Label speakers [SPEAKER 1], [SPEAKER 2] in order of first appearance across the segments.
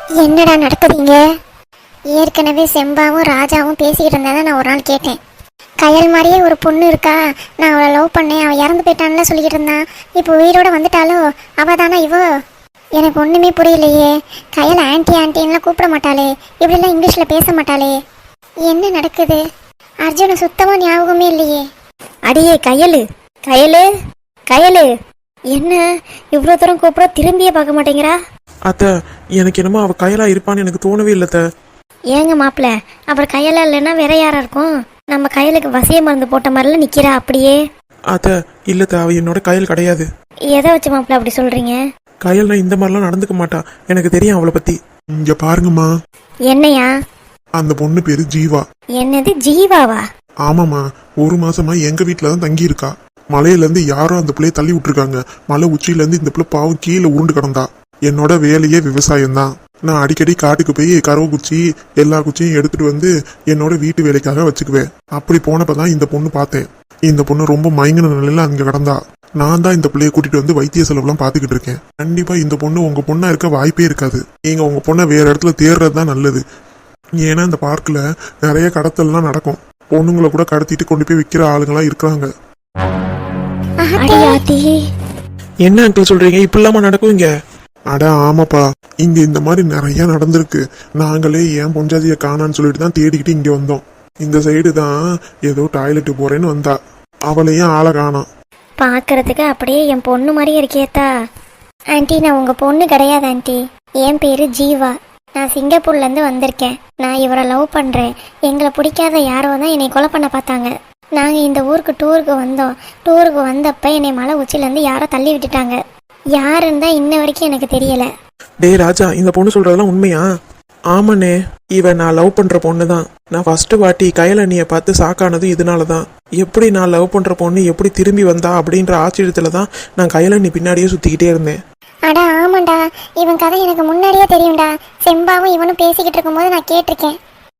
[SPEAKER 1] என்னடா நடக்குதுங்க? ஏற்கனவே செம்பாவும் ராஜாவும் பேசிக்கிட்டு இருந்தா நான் ஒரு நாள் கேட்டேன். கயல் மாதிரியே ஒரு பொண்ணு இருக்கா, நான் அவளை லவ் பண்ணேன், அவள் இறந்து போயிட்டான்ல சொல்லிக்கிட்டு இருந்தான். இப்போ உயிரோட வந்துட்டாலோ? அவ தானா இவோ? எனக்கு ஒன்றுமே புரியலையே. கயல் ஆன்ட்டி ஆன்ட்டின்லாம் கூப்பிட மாட்டாளே, இப்படிலாம் இங்கிலீஷில் பேச மாட்டாளே. என்ன நடக்குது? அர்ஜுனை சுத்தமாக ஞாபகமே இல்லையே.
[SPEAKER 2] அடியே கயலு, கயலு, கயலு, என்ன இவ்வளோ தூரம் கூப்பிட திரும்பியே பார்க்க மாட்டேங்கிறா?
[SPEAKER 3] அத்தை, எனக்கு என்னமோ அவள் கயலா இருப்பான்னு எனக்கு தோணவே இல்லை அத்தை.
[SPEAKER 2] ஏங்க மாப்பிள்ள, அப்புறம் கையலா இல்லைன்னா வேற யாரா இருக்கும்? நம்ம கையலுக்கு வசிய மருந்து போட்ட மாதிரிலாம் நிக்கிறா அப்படியே.
[SPEAKER 3] அத்தை இல்லத்த, அவள் என்னோட கயல் கிடையாது.
[SPEAKER 2] எதை வச்சு மாப்பிள்ள அப்படி சொல்றீங்க?
[SPEAKER 3] கயல்னா இந்த மாதிரிலாம் நடந்துக்க மாட்டா, எனக்கு தெரியும் அவளை பத்தி. இங்க பாருங்கம்மா.
[SPEAKER 2] என்னையா?
[SPEAKER 4] அந்த பொண்ணு பேரு ஜீவா.
[SPEAKER 2] என்னது ஜீவாவா?
[SPEAKER 4] ஆமாம்மா, ஒரு மாசமா எங்க வீட்டுல தான் தங்கி இருக்கா. மலையில இருந்து யாரும் அந்த பிள்ளைய தள்ளி விட்டுருக்காங்க. மலை உச்சியில இருந்து இந்த பிள்ளை பாவம் கீழே உருண்டு கிடந்தா. என்னோட வேலையே விவசாயம் தான். நான் அடிக்கடி காட்டுக்கு போய் கறவை குச்சி எல்லா குச்சியும் எடுத்துட்டு வந்து என்னோட வீட்டு வேலைக்காக வச்சுக்குவேன். அப்படி போனப்பதான் இந்த பொண்ணு பார்த்தேன். இந்த பொண்ணு ரொம்ப மயங்கின நிலையில அங்க கிடந்தா. நான் தான் இந்த பிள்ளைய கூட்டிட்டு வந்து வைத்திய செலவுலாம் பாத்துக்கிட்டு இருக்கேன். கண்டிப்பா இந்த பொண்ணு உங்க பொண்ணா இருக்க வாய்ப்பே இருக்காது. நீங்க உங்க பொண்ணை வேற இடத்துல தேர்றது தான் நல்லது. ஏன்னா இந்த பார்க்ல நிறைய கடத்தல்லாம் நடக்கும். பொண்ணுங்களை கூட கடத்திட்டு கொண்டு போய் விற்கிற ஆளுங்களா இருக்கிறாங்க.
[SPEAKER 3] என்ன அங்கிள் சொல்றீங்க? இப்படிலாமா நடக்கும் இங்க?
[SPEAKER 4] அட ஆமாப்பா, இங்க இந்த மாதிரி நிறைய நடந்திருக்கு. நாங்களே ஏன் பொஞ்சாதியை காணான்னு சொல்லிட்டு தான் தேடிக்கிட்டு இங்க வந்தோம். இந்த சைடு தான் ஏதோ டாய்லெட்டு போறேன்னு வந்தா. அவளையும் ஆளை காணோம்.
[SPEAKER 2] பார்க்கறதுக்கு அப்படியே என் பொண்ணு மாதிரியே இருக்கேத்தா. ஆண்டி, நான் உங்க பொண்ணு கிடையாது ஆண்டி. என் பேரு ஜீவா. நான் சிங்கப்பூர்லேருந்து வந்திருக்கேன். நான் இவரை லவ் பண்ணுறேன். எங்களை பிடிக்காத யாரோ தான் என்னை கொலை பண்ண பார்த்தாங்க. நாங்கள் இந்த ஊருக்கு டூருக்கு வந்தோம். டூருக்கு வந்தப்போ என்னை மலை உச்சிலேருந்து யாரோ தள்ளி விட்டுட்டாங்க. யாருன்னு தான் இன்ன வரைக்கும் எனக்கு தெரியலை.
[SPEAKER 3] டே ராஜா, இந்த பொண்ணு சொல்றதெல்லாம் உண்மையா? ஆமாண்ணே, இவன் நான் லவ் பண்ற பொண்ணு தான். நான் ஃபர்ஸ்ட் வாட்டி கயலண்ணியை பார்த்து சாக்கானதும் இதனால தான். எப்படி நான் லவ் பண்ற பொண்ணு எப்படி திரும்பி வந்தா அப்படின்ற ஆச்சரியத்துல தான் நான் கயலண்ணி பின்னாடியே சுத்திக்கிட்டே இருந்தேன்.
[SPEAKER 1] அடா ஆமாண்டா, இவன் கதை எனக்கு முன்னாடியே தெரியும்டா. செம்பாவும் இவனும் பேசிக்கிட்டு இருக்கும்போது நான் கேட்டிருக்கேன்.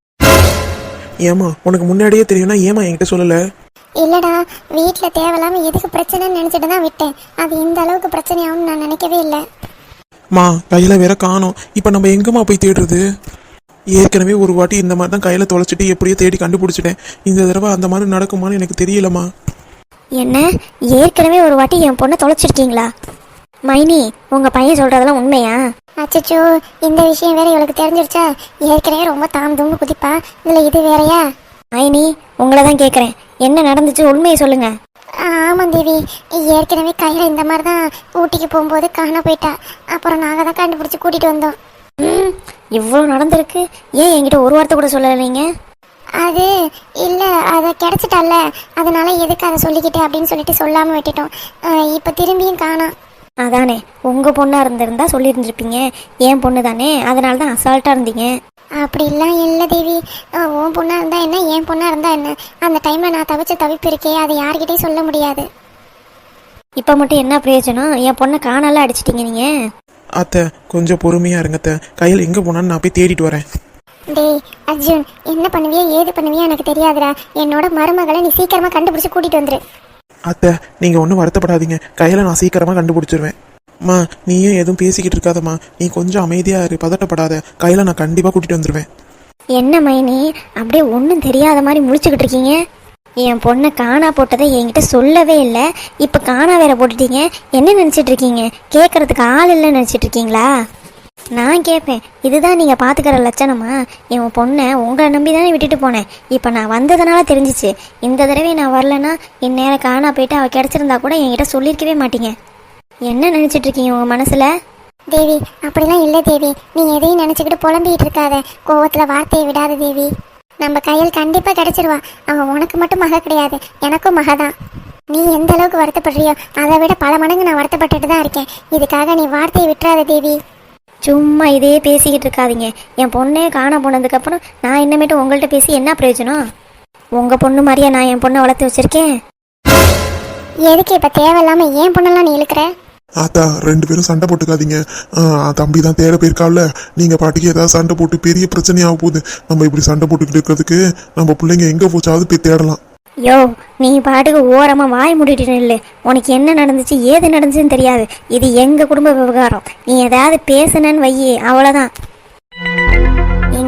[SPEAKER 3] ஏமா உனக்கு முன்னாடியே தெரியும்னா ஏமா என்கிட்ட சொல்லல?
[SPEAKER 1] இல்லடா, வீட்டில் தேவையில்லாம எதுக்கு பிரச்சனைன்னு நினச்சிட்டு தான் விட்டேன். அது இந்த அளவுக்கு பிரச்சனையாகும்னு நான் நினைக்கவே இல்லை.
[SPEAKER 3] மா கையில வேற காணோம். இப்ப நம்ம எங்கம்மா போய் தேடுறது? ஏற்கனவே ஒரு வாட்டி இந்த மாதிரி தான் கையில தொலைச்சிட்டு எப்படியோ தேடி கண்டுபிடிச்சிட்டேன். இந்த தடவை அந்த மாதிரி நடக்குமான்னு எனக்கு தெரியலம்மா.
[SPEAKER 2] என்ன, ஏற்கனவே ஒரு வாட்டி என் பொண்ணை தொலைச்சிருக்கீங்களா? மைனி, உங்க பையன் சொல்றதெல்லாம் உண்மையா?
[SPEAKER 1] அச்சச்சோ, இந்த விஷயம் வேற இவளுக்கு தெரிஞ்சிருச்சா? ஏற்கனவே ரொம்ப தாம் தும்பு குதிப்பா, இதுல இது வேறயா?
[SPEAKER 2] மைனி, உங்களை தான் கேட்குறேன். என்ன நடந்துச்சு, உண்மையை சொல்லுங்க.
[SPEAKER 1] ஆமாம் தேவி, ஏற்கனவே கையில் இந்த மாதிரி தான் ஊட்டிக்கு போகும்போது காண போயிட்டா. அப்புறம் நாங்கள் தான் கண்டுபிடிச்சி கூட்டிகிட்டு வந்தோம்.
[SPEAKER 2] இவ்வளோ நடந்திருக்கு, ஏன் என்கிட்ட ஒரு வார்த்தை கூட சொல்லலைங்க?
[SPEAKER 1] அது இல்லை, அதை கிடச்சிட்டால, அதனால எதுக்கு அதை சொல்லிக்கிட்டு அப்படின்னு சொல்லிட்டு சொல்லாமல் விட்டுட்டோம். இப்போ திரும்பியும் காணோம்.
[SPEAKER 2] அதானே, உங்கள் பொண்ணாக இருந்திருந்தா சொல்லியிருந்துருப்பீங்க. என் பொண்ணு தானே, அதனால தான் அசால்ட்டாக இருந்தீங்க.
[SPEAKER 1] அப்படிலாம் இல்லை தேவி. உன் பொண்ணாக இருந்தா என்ன, என் பொண்ணாக இருந்தா என்ன? அந்த டைமில் நான் தவிச்ச தவிப்பு இருக்கே, அதை யார்கிட்டையும் சொல்ல முடியாது.
[SPEAKER 2] இப்போ மட்டும் என்ன பிரயோஜனம்? என் பொண்ணை காணால அடிச்சிட்டீங்க நீங்கள்.
[SPEAKER 3] அத்தை கொஞ்சம் பொறுமையா இருங்கத்த. கையில் எங்க போனான்னு நான் போய் தேடிட்டு வரேன்.
[SPEAKER 1] டேய் அர்ஜுன், என்ன பண்ணுவியா ஏது பண்ணுவியா எனக்கு தெரியாதுடா. என்னோட மருமகளை நீ சீக்கிரமாக கண்டுபிடிச்சி கூட்டிகிட்டு வந்துரு.
[SPEAKER 3] அத்தை நீங்க ஒன்றும் வருத்தப்படாதீங்க, கையில நான் சீக்கிரமா கண்டுபிடிச்சிருவேன். மா நீயும் எதுவும் பேசிக்கிட்டு இருக்காதம்மா, நீ கொஞ்சம் அமைதியா இரு, பதட்டப்படாத. கையில நான் கண்டிப்பா கூட்டிட்டு வந்துருவேன்.
[SPEAKER 2] என்ன மைனி, அப்படியே ஒன்றும் தெரியாத மாதிரி முழிச்சுக்கிட்டு இருக்கீங்க? என் பொண்ணை காணா போட்டதை என்கிட்ட சொல்லவே இல்லை, இப்போ காணா வேற போட்டுட்டீங்க. என்ன நினச்சிட்டு இருக்கீங்க? கேட்கறதுக்கு ஆள் இல்லைன்னு நினச்சிட்டு இருக்கீங்களா? நான் கேட்பேன், இதுதான் நீங்கள் பார்த்துக்கிற லட்சணமா? என் பொண்ணை உங்களை நம்பி தானே விட்டுட்டு போனேன். இப்போ நான் வந்ததுனால தெரிஞ்சிச்சு. இந்த தடவை நான் வரலன்னா இந்நேரம் காணா போயிட்டு அவள் கிடச்சிருந்தா கூட என்கிட்ட சொல்லியிருக்கவே மாட்டீங்க. என்ன நினச்சிட்டு இருக்கீங்க உங்கள் மனசில்?
[SPEAKER 1] தேவி அப்படிலாம் இல்லை தேவி, நீ எதையும் நினச்சிக்கிட்டு புலம்பிக்கிட்டு இருக்காத. கோவத்தில் வார்த்தையை விடாத தேவி. நம்ம கையில் கண்டிப்பாக கிடச்சிருவா. அவன் உனக்கு மட்டும் மக கிடையாது, எனக்கும் மக தான். நீ எந்த அளவுக்கு வருத்தப்படுறியோ அதை விட பல மடங்கு நான் வருத்தப்பட்டுட்டு தான் இருக்கேன். இதுக்காக நீ வார்த்தையை விட்டுறாத தேவி.
[SPEAKER 2] சும்மா இதே பேசிக்கிட்டு இருக்காதீங்க. என் பொண்ணே காண போனதுக்கப்புறம் நான் இன்னமேட்டு உங்கள்கிட்ட பேசி என்ன பிரயோஜனம்? உங்கள் பொண்ணு மாதிரியா நான் என் பொண்ணை வளர்த்து வச்சுருக்கேன்?
[SPEAKER 1] எதுக்கு இப்போ தேவையில்லாமல் ஏன் பொண்ணெல்லாம் நீ இழுக்கிற?
[SPEAKER 4] ஆத்தா, ரெண்டு பேரும் சண்டை போட்டுக்காதீங்க. தம்பி தான் தேட போயிருக்காவில, நீங்க பாட்டுக்கு ஏதாவது சண்டை போட்டு பெரிய பிரச்சனையாக போகுது. நம்ம இப்படி சண்டை போட்டுக்கிட்டு இருக்கிறதுக்கு நம்ம பிள்ளைங்க எங்க போச்சாவது போய் தேடலாம்.
[SPEAKER 2] யோ, நீ பாட்டுக்கு ஓரமாக வாய் மூடிட்டு இல்லை. உனக்கு என்ன நடந்துச்சு ஏது நடந்துச்சுன்னு தெரியாது. இது எங்கள் குடும்ப விவகாரம். நீ ஏதாவது பேசுனன்னு வையே, அவ்வளோதான்.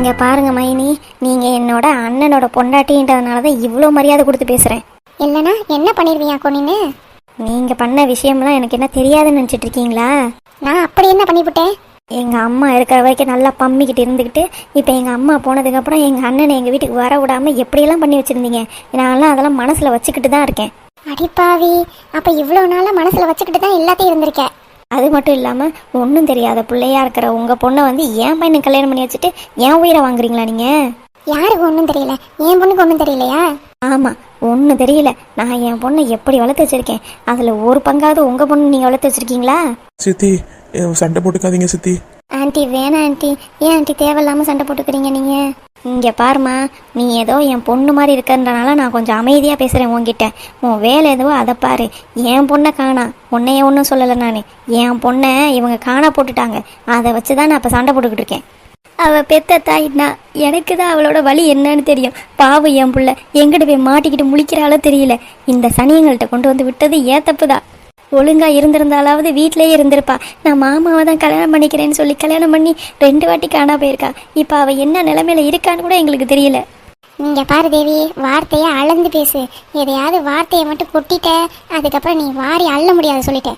[SPEAKER 2] இங்க பாருங்க மைனி, நீங்க என்னோட அண்ணனோட பொண்டாட்டின்றதுனால தான் இவ்வளோ மரியாதை கொடுத்து பேசுறேன்.
[SPEAKER 1] இல்லைனா என்ன பண்ணிடுவியாக்கோ நீனு?
[SPEAKER 2] நீங்க பண்ண விஷயம்லாம் எனக்கு என்ன தெரியாதுன்னு நினைச்சிட்டு இருக்கீங்களா?
[SPEAKER 1] நான் அப்படி என்ன பண்ணிவிட்டேன்?
[SPEAKER 2] எங்க அம்மா இருக்கிற வரைக்கும் நல்லா பம்மிக்கிட்டு இருந்துக்கிட்டு இப்போ எங்க அம்மா போனதுக்கப்புறம் எங்க அண்ணனை எங்க வீட்டுக்கு வர விடாம எப்படியெல்லாம் பண்ணி வச்சிருந்தீங்க. நான்லாம் அதெல்லாம் மனசுல வச்சுக்கிட்டு தான் இருக்கேன்.
[SPEAKER 1] அடிப்பாவி, அப்ப இவ்வளவு நாளா மனசுல வச்சுக்கிட்டு தான் எல்லாத்தையும் இருந்திருக்க.
[SPEAKER 2] அது மட்டும் இல்லாம ஒன்றும் தெரியாத பிள்ளையா இருக்கிற உங்க பொண்ணை வந்து என் பையனுக்கு கல்யாணம் பண்ணி வச்சுட்டு என் உயிரை வாங்குறீங்களா நீங்க?
[SPEAKER 1] யாருக்கு ஒன்றும் தெரியல? என் பொண்ணுக்கு ஒன்றும் தெரியலையா?
[SPEAKER 2] ஆமா, ஒன்றும் தெரியல. நான் என் பொண்ணை எப்படி வளர்த்து வச்சிருக்கேன், அதுல ஒரு பங்காவது உங்க பொண்ணு நீங்க வளர்த்து வச்சிருக்கீங்களா?
[SPEAKER 3] சித்தி சண்டை போட்டுக்காதீங்க சித்தி.
[SPEAKER 2] ஆண்டி வேணாம் ஆண்டி. ஏன் ஆண்டி தேவையில்லாம சண்டை போட்டுக்கிறீங்க நீங்க? இங்க பாருமா, நீ ஏதோ என் பொண்ணு மாதிரி இருக்கன்றனால நான் கொஞ்சம் அமைதியா பேசுறேன் உன்கிட்ட. உன் வேலை எதுவோ அதை பாரு. என் பொண்ணை காணா, உன்னைய ஒன்றும் சொல்லலை நான். என் பொண்ணை இவங்க காணா போட்டுட்டாங்க. அதை வச்சுதான் நான் இப்ப சண்டை போட்டுக்கிட்டு இருக்கேன். அவ பெத்த தாயினா எனக்கு தான் அவளோட வலி என்னன்னு தெரியும். பாவம் என் புள்ள எங்கிட்ட போய் மாட்டிக்கிட்டு முழிக்கிறாளோ தெரியல. இந்த சனியங்கள்ட்ட கொண்டு வந்து விட்டது ஏன் தப்புதான். ஒழுங்கா இருந்திருந்தாலாவது வீட்டிலேயே இருந்திருப்பா. நான் மாமாவை தான் கல்யாணம் பண்ணிக்கிறேன்னு சொல்லி கல்யாணம் பண்ணி 2 வாட்டி காணா போயிருக்கா. இப்போ அவள் என்ன நிலைமையில இருக்கான்னு கூட எங்களுக்கு தெரியல.
[SPEAKER 1] இங்க பாரு தேவி, வார்த்தையை அளந்து பேசு. எதையாவது வார்த்தையை மட்டும் கொட்டிட்ட, அதுக்கப்புறம் நீ வாரி அள்ள முடியாது சொல்லிட்டேன்.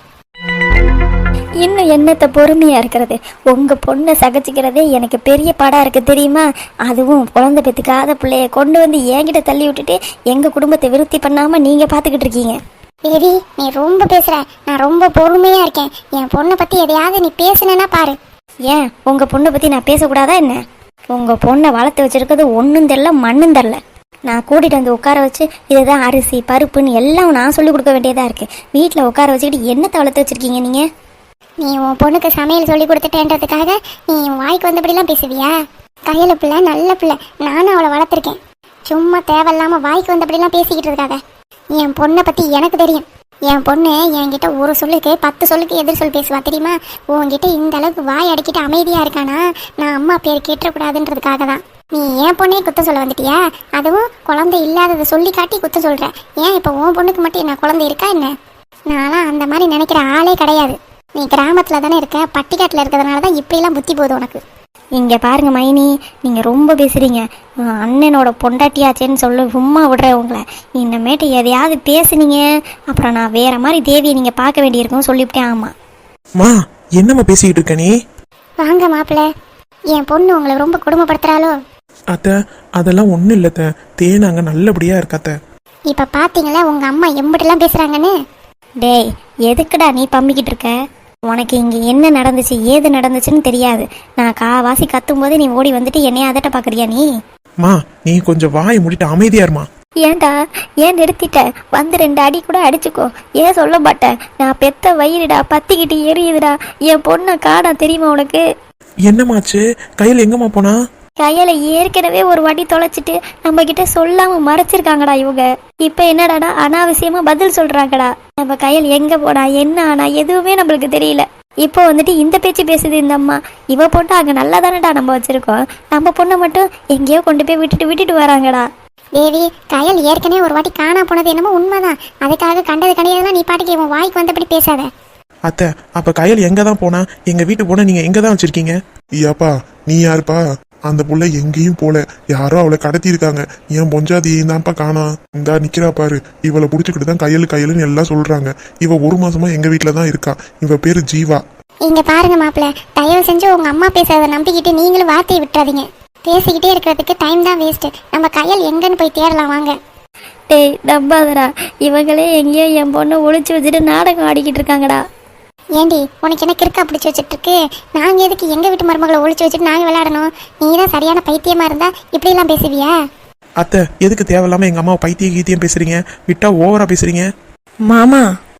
[SPEAKER 2] இன்னும் என்னத்தை பொறுமையா இருக்கிறது? உங்க பொண்ணை சகிச்சுக்கிறதே எனக்கு பெரிய பாடா இருக்கு தெரியுமா? அதுவும் குழந்தை பெத்துக்காத பிள்ளைய கொண்டு வந்து என்கிட்ட தள்ளி விட்டுட்டு எங்க குடும்பத்தை விருத்தி பண்ணாம நீங்க பாத்துக்கிட்டு இருக்கீங்க.
[SPEAKER 1] தேவி, நீ ரொம்ப பேசுற. நான் ரொம்ப பொறுமையா இருக்கேன். என் பொண்ணை பத்தி எதையாவது நீ பேசுனேன்னா பாரு.
[SPEAKER 2] ஏன் உங்க பொண்ணை பத்தி நான் பேசக்கூடாதா என்ன? உங்க பொண்ணை வளர்த்து வச்சிருக்கிறது ஒன்றும் தெரில மண்ணும் தெரில. நான் கூட்டிகிட்டு வந்து உட்கார வச்சு இதுதான் அரிசி பருப்புன்னு எல்லாம் நான் சொல்லி கொடுக்க வேண்டியதாக இருக்குது. வீட்டில் உட்கார வச்சுக்கிட்டு என்னத்தை வளர்த்து வச்சுருக்கீங்க நீங்கள்?
[SPEAKER 1] நீ உன் பொண்ணுக்கு சமையல் சொல்லி கொடுத்துட்டேன்றதுக்காக நீ உன் வாய்க்கு வந்தபடிலாம் பேசுவியா? கையில பிள்ளை நல்ல பிள்ளை, நானும் அவளை வளர்த்துருக்கேன். சும்மா தேவையில்லாம வாய்க்கு வந்தபடிலாம் பேசிக்கிட்டு இருக்காத. என் பொண்ணை பற்றி எனக்கு தெரியும். என் பொண்ணு என்கிட்ட ஒரு சொல்லுக்கு 10 சொல்லுக்கு எதிர் சொல் பேசுவா தெரியுமா? உன்கிட்ட இந்த அளவுக்கு வாய் அடிக்கிட்டு அமைதியாக இருக்கானா நான் அம்மா பேர் கேட்டக்கூடாதுன்றதுக்காக தான். நீ என் பொண்ணே குத்தம் சொல்ல வந்துட்டியா? அதுவும் குழந்தை இல்லாததை சொல்லி காட்டி குத்தம் சொல்கிற. ஏன் இப்போ உன் பொண்ணுக்கு மட்டும் என்ன குழந்தை இருக்கா என்ன? நான்லாம் அந்த மாதிரி நினைக்கிற ஆளே கிடையாது. நீ கிராமத்தில் தானே இருக்க, பட்டிக்காட்டில் இருக்கிறதுனால தான் இப்படிலாம் புத்தி போகுது உனக்கு.
[SPEAKER 2] இங்கே பாருங்க மைனி, நீங்கள் ரொம்ப பேசுகிறீங்க. அண்ணனோட பொண்டாட்டியாச்சேன்னு சொல்ல சும்மா விடுறேன் உங்களை. இன்னமேட்டு எதையாவது பேசுனீங்க அப்புறம் நான் வேற மாதிரி தேவியை நீங்கள் பார்க்க வேண்டியிருக்கும் சொல்லிவிட்டேன். ஆமாம்
[SPEAKER 3] மா, என்னம்மா பேசிக்கிட்டு இருக்க நீ?
[SPEAKER 1] வாங்க மாப்பிள்ள, என் பொண்ணு உங்களை ரொம்ப கொடுமைப்படுத்துறாளோ?
[SPEAKER 3] அத்தை, அதெல்லாம் ஒன்றும் இல்லைத்த. தேனாங்க நல்லபடியாக இருக்காத்த.
[SPEAKER 1] இப்போ பார்த்தீங்களா உங்கள் அம்மா எம்பிட்டெல்லாம் பேசுகிறாங்கன்னு?
[SPEAKER 2] டேய், எதுக்குடா நீ பம்பிக்கிட்டு இருக்க? உனக்கு இங்கே என்ன நடந்துச்சு ஏது நடந்துச்சுன்னு தெரியாது. நான் காவாசி கத்தும் போது நீ ஓடி வந்துட்டு என்னைய அதட்ட பார்க்குறியா நீ?
[SPEAKER 3] மா, நீ கொஞ்சம் வாயை மூடிட்டு அமைதியா இருமா.
[SPEAKER 2] ஏன்டா ஏன் நிறுத்திட்ட? வந்து 2 அடி கூட அடிச்சுக்கோ. ஏன் சொல்ல மாட்டேன்? நான் பெத்த வயிறுடா, பத்திக்கிட்டு எரியுதுடா. என் பொண்ணை காணா தெரியுமா உனக்கு?
[SPEAKER 3] என்னமாச்சு? கையில் எங்கம்மா போனா?
[SPEAKER 2] கையில ஏற்கனவே ஒரு வாட்டி தொலைச்சிட்டு நம்ம கிட்ட சொல்லாம மறைச்சிருக்காங்கடா இவங்க. இப்ப என்னடாடா அனாவசியமா பதில் சொல்றாங்கடா. நம்ம கையில் எங்க போனா என்ன ஆனா எதுவுமே நம்மளுக்கு தெரியல. இப்போ வந்துட்டு இந்த பேச்சு பேசுது இந்த அம்மா. இவ பொண்ணு அங்க நல்லா தானடா நம்ம வச்சிருக்கோம், நம்ம பொண்ணை மட்டும் எங்கேயோ கொண்டு போய் விட்டுட்டு வராங்கடா.
[SPEAKER 1] தேவி, கயல் ஏற்கனவே ஒரு வாட்டி காணா போனது என்னமோ உண்மைதான். அதுக்காக கண்டது கிடையாதுலாம் நீ பாட்டுக்கு உன் வாய்க்கு வந்தபடி பேசாத.
[SPEAKER 3] அத்தை, அப்ப கையில் எங்க தான் போனா? எங்க வீட்டுக்கு போனா நீங்க எங்க தான் வச்சிருக்கீங்க?
[SPEAKER 4] ஐயாப்பா, நீ யாருப்பா? அந்த புள்ள எங்கேயும் போல, யாரோ அவளை கடத்தி இருக்காங்க. என் பொஞ்சாதியையும் தான்ப்பா காணா. இந்தா நிக்கிறா பாரு. இவளை புடிச்சுக்கிட்டு தான் கையலுன்னு எல்லாம் சொல்றாங்க. இவ 1 மாசமா எங்க வீட்டுல தான் இருக்கா. இவ பேரு ஜீவா.
[SPEAKER 1] இங்க பாருங்க மாப்பிள்ள, தயவு செஞ்சு உங்க அம்மா பேசுறதை நம்பிக்கிட்டு நீங்களும் வார்த்தையை விட்டுறாதீங்க. பேசிக்கிட்டே இருக்கிறதுக்கு டைம் தான் வேஸ்ட். நம்ம கையல் எங்கன்னு போய் தேடலாம் வாங்க.
[SPEAKER 2] டேய் நம்பாதடா, இவங்களே எங்கேயோ என் பொண்ணை ஒளிச்சு வச்சுட்டு நாடகம் ஆடிக்கிட்டு இருக்காங்கடா.
[SPEAKER 1] ஏண்டி, உனக்கு என்ன கிறுக்கா பிடிச்சி வச்சுட்டு இருக்கு? நாங்க எதுக்கு எங்க வீட்டு மருமகளை ஒளிச்சு வச்சுட்டு நாங்க விளையாடணும்? நீ தான் சரியான பைத்தியமா இருந்தா இப்படி எல்லாம் பேசுவியா?
[SPEAKER 3] அத்தை, எதுக்கு தேவையில்லாம எங்க அம்மா கீத்தியம் பேசுறீங்க? விட்டா ஓவரா பேசுறீங்க.
[SPEAKER 2] மாமா,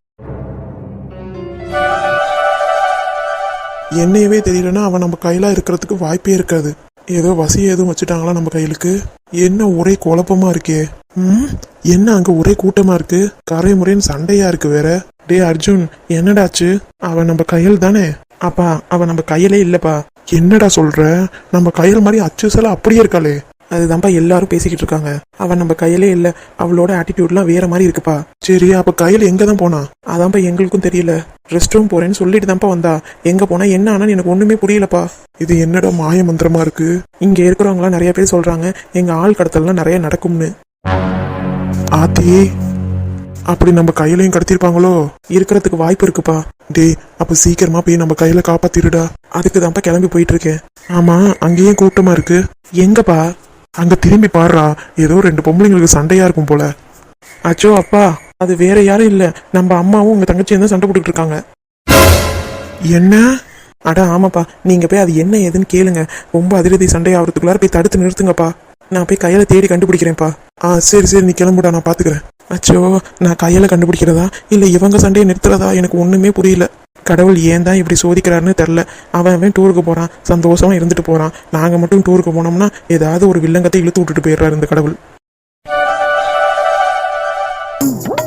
[SPEAKER 3] என்னையவே தெரியலன்னா அவன் நம்ம கையில இருக்கிறதுக்கு வாய்ப்பே இருக்காது. ஏதோ வசிய எதுவும் வச்சுட்டாங்களா நம்ம கையிலுக்கு? என்ன ஒரே குழப்பமா இருக்கே. என்ன அங்க ஒரே கூட்டமா இருக்கு, கரை முறைன்னு சண்டையா இருக்கு வேற. டே அர்ஜுன், என்னடாச்சு? அவன் நம்ம கையில் தானே? அப்பா, அவன் நம்ம கையிலே இல்லப்பா. என்னடா சொல்ற? நம்ம கையில் மாதிரி அச்சுசல அப்படியே இருக்காளே. அதுதான்ப்பா எல்லாரும் பேசிக்கிட்டு இருக்காங்க. அவன் நம்ம கையிலே இல்ல, அவளோட ஆட்டிடியூட்லாம் வேற மாதிரி இருக்குப்பா.
[SPEAKER 4] சரி, அப்ப கையில எங்க தான் போனா?
[SPEAKER 3] அதான்ப்பா எங்களுக்கும் தெரியல. ரெஸ்ட் ரூம் போறேன்னு சொல்லிட்டு தான்ப்பா வந்தா. எங்க போனா என்ன ஆனான்னு எனக்கு ஒண்ணுமே புரியலப்பா.
[SPEAKER 4] இது என்னடா மாய மந்திரமா இருக்கு?
[SPEAKER 3] இங்க இருக்கிறவங்களாம் நிறைய பேர் சொல்றாங்க எங்க ஆள் கடத்தல்லாம் நிறைய நடக்கும்னு.
[SPEAKER 4] ஆத்தி, அப்படி நம்ம கையிலையும் கடத்திருப்பாங்களோ?
[SPEAKER 3] இருக்கிறதுக்கு வாய்ப்பு இருக்குப்பா.
[SPEAKER 4] டேய், அப்ப சீக்கிரமா போய் நம்ம கையில காப்பாத்திருடா.
[SPEAKER 3] அதுக்கு தான்ப்பா கிளம்பி போயிட்டு இருக்கேன்.
[SPEAKER 4] ஆமா, அங்கேயும் கூட்டமா இருக்கு.
[SPEAKER 3] எங்கப்பா?
[SPEAKER 4] அங்க திரும்பி பாருடா, ஏதோ 2 பொம்பளைங்களுக்கு சண்டையா இருக்கும் போல.
[SPEAKER 3] அச்சோ அப்பா, அது வேற யாரும் இல்ல, நம்ம அம்மாவும் உங்க தங்கச்சியும் தான் சண்டை போட்டுக்கிட்டு இருக்காங்க.
[SPEAKER 4] என்ன?
[SPEAKER 3] அட ஆமாப்பா, நீங்க போய் அது என்ன ஏதுன்னு கேளுங்க. ரொம்ப அதிரடி சண்டை ஆகிறதுக்குள்ளார போய் தடுத்து நிறுத்துங்கப்பா. நான் போய் கையில தேடி கண்டுபிடிக்கிறேன்ப்பா.
[SPEAKER 4] சரி சரி, நீ கிளம்புடா, நான் பாத்துக்கிறேன்.
[SPEAKER 3] அச்சோ, நான் கையில கண்டுபிடிக்கிறதா இல்ல இவங்க சண்டையை நிறுத்துறதா எனக்கு ஒண்ணுமே புரியல. கடவுள் ஏன் தான் இப்படி சோதிக்கிறாருன்னு தெரில. அவன் டூருக்கு போறான், சந்தோஷமா இருந்துட்டு போறான். நாங்க மட்டும் டூருக்கு போனோம்னா ஏதாவது ஒரு வில்லங்கத்தை இழுத்து விட்டுட்டு போயிடுறாரு இந்த கடவுள்.